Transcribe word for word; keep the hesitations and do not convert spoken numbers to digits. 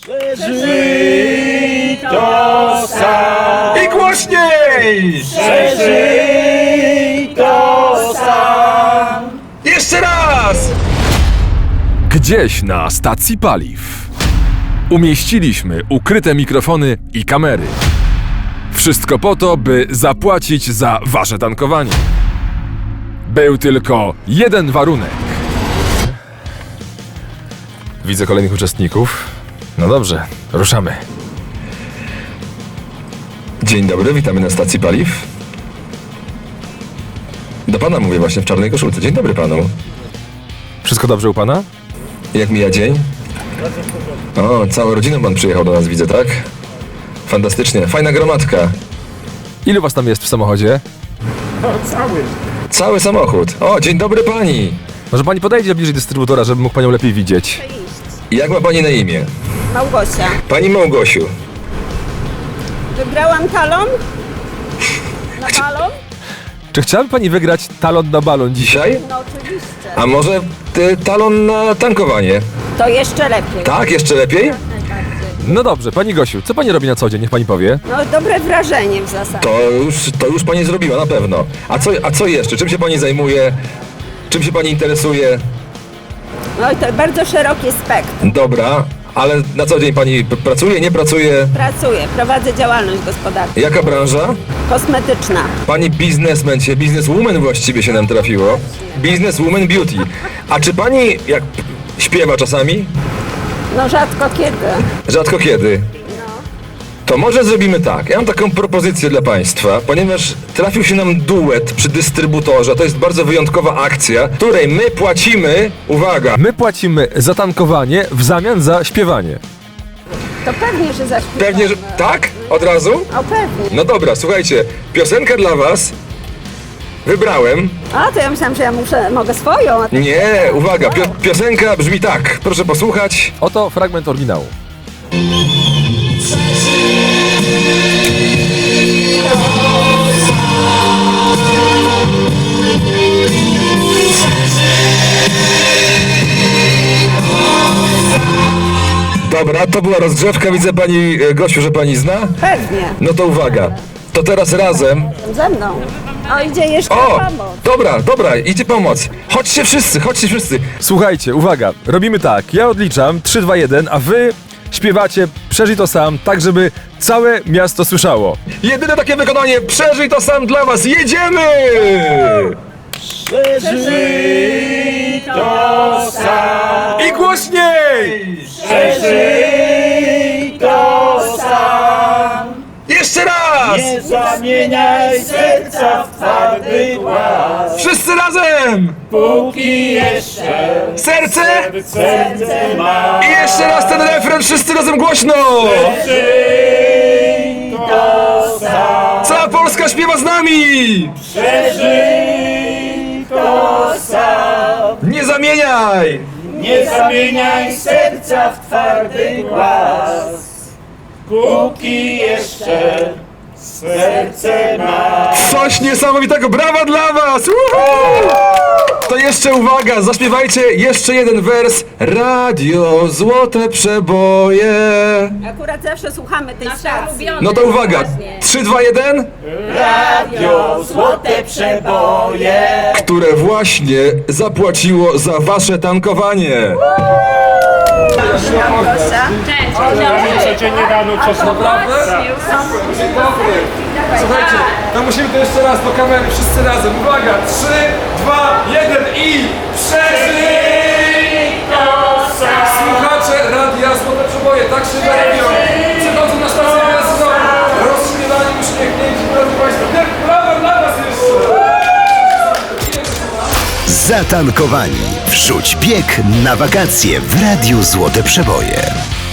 Przeżyj to sam. I głośniej! Przeżyj to sam. Jeszcze raz! Gdzieś na stacji paliw umieściliśmy ukryte mikrofony i kamery. Wszystko po to, by zapłacić za wasze tankowanie. Był tylko jeden warunek. Widzę kolejnych uczestników. No dobrze, ruszamy. Dzień dobry, witamy na stacji paliw. Do pana mówię właśnie w czarnej koszulce. Dzień dobry panu. Wszystko dobrze u pana? Jak mija dzień? O, całą rodziną pan przyjechał do nas, widzę, tak? Fantastycznie, fajna gromadka. Ilu was tam jest w samochodzie? Cały samochód. O, dzień dobry pani. Może pani podejdzie bliżej dystrybutora, żeby mógł panią lepiej widzieć. Jak ma pani na imię? Małgosia. Pani Małgosiu. Wygrałam talon? Na balon? Czy chciałaby pani wygrać talon na balon dzisiaj? Dzisiaj? No oczywiście. A może ty, talon na tankowanie? To jeszcze lepiej. Tak, jeszcze lepiej? No dobrze, pani Gosiu, co pani robi na co dzień? Niech pani powie. No dobre wrażenie w zasadzie. To już, to już pani zrobiła, na pewno. A co, a co jeszcze? Czym się pani zajmuje? Czym się pani interesuje? No i to bardzo szerokie spektrum. Dobra, ale na co dzień pani p- pracuje, nie pracuje? Pracuję, prowadzę działalność gospodarczą. Jaka branża? Kosmetyczna. Pani biznesmen się, bizneswoman właściwie się nam trafiło. Bizneswoman beauty. A czy pani, jak p- śpiewa czasami? No rzadko kiedy. Rzadko kiedy. To może zrobimy tak. Ja mam taką propozycję dla państwa, ponieważ trafił się nam duet przy dystrybutorze. To jest bardzo wyjątkowa akcja, w której my płacimy, uwaga, My płacimy za tankowanie w zamian za śpiewanie. To pewnie, że zaśpiewamy. pewnie, że... Tak? Od razu? O pewnie. No dobra, słuchajcie, piosenka dla was. Wybrałem. A to ja myślałam, że ja muszę, mogę swoją. A to... Nie, uwaga, pio piosenka brzmi tak. Proszę posłuchać. Oto fragment oryginału. Dobra, to była rozgrzewka. Widzę pani, e, Gosiu, że pani zna. Pewnie. No to uwaga. To teraz razem. Ze mną. O, idzie jeszcze O! pomoc. Dobra, dobra, idzie pomoc. Chodźcie wszyscy, chodźcie wszyscy. Słuchajcie, uwaga, robimy tak. Ja odliczam trzy, dwa, jeden, a wy śpiewacie Przeżyj to sam, tak żeby całe miasto słyszało. Jedyne takie wykonanie, przeżyj to sam dla was. Jedziemy! Przeżyj to sam. I głośniej! Przeżyj to sam. Jeszcze raz! Nie zamieniaj serca w twardy głaz. Wszyscy razem! Póki jeszcze Serce! serce ma. I jeszcze raz ten refren, wszyscy razem głośno! Przeżyj to sam. Cała Polska śpiewa z nami! Przeżyj to sam. Nie zamieniaj! Nie zamieniaj serca w twardy głaz. Póki jeszcze serce ma. Coś niesamowitego, brawa dla was! Uhu! To jeszcze uwaga, zaśpiewajcie jeszcze jeden wers. Radio Złote Przeboje. Akurat zawsze słuchamy tej stacji. No to uwaga, trzy, dwa, jeden. Radio Złote Przeboje. Które właśnie zapłaciło za wasze tankowanie. Małgosia. Codziennie rano czas naprawdę? Słuchajcie, to musimy to jeszcze raz do kamery, wszyscy razem. Uwaga, trzy, dwa, jeden i przeżyj to sam! Słuchacze Radia Złote Przeboje, tak się robią. Przychodzą na stację benzynową, rozśmiewani, uśmiechnięci, drodzy państwo. Brawa dla was jeszcze! Zatankowani. Wrzuć bieg na wakacje w Radiu Złote Przeboje.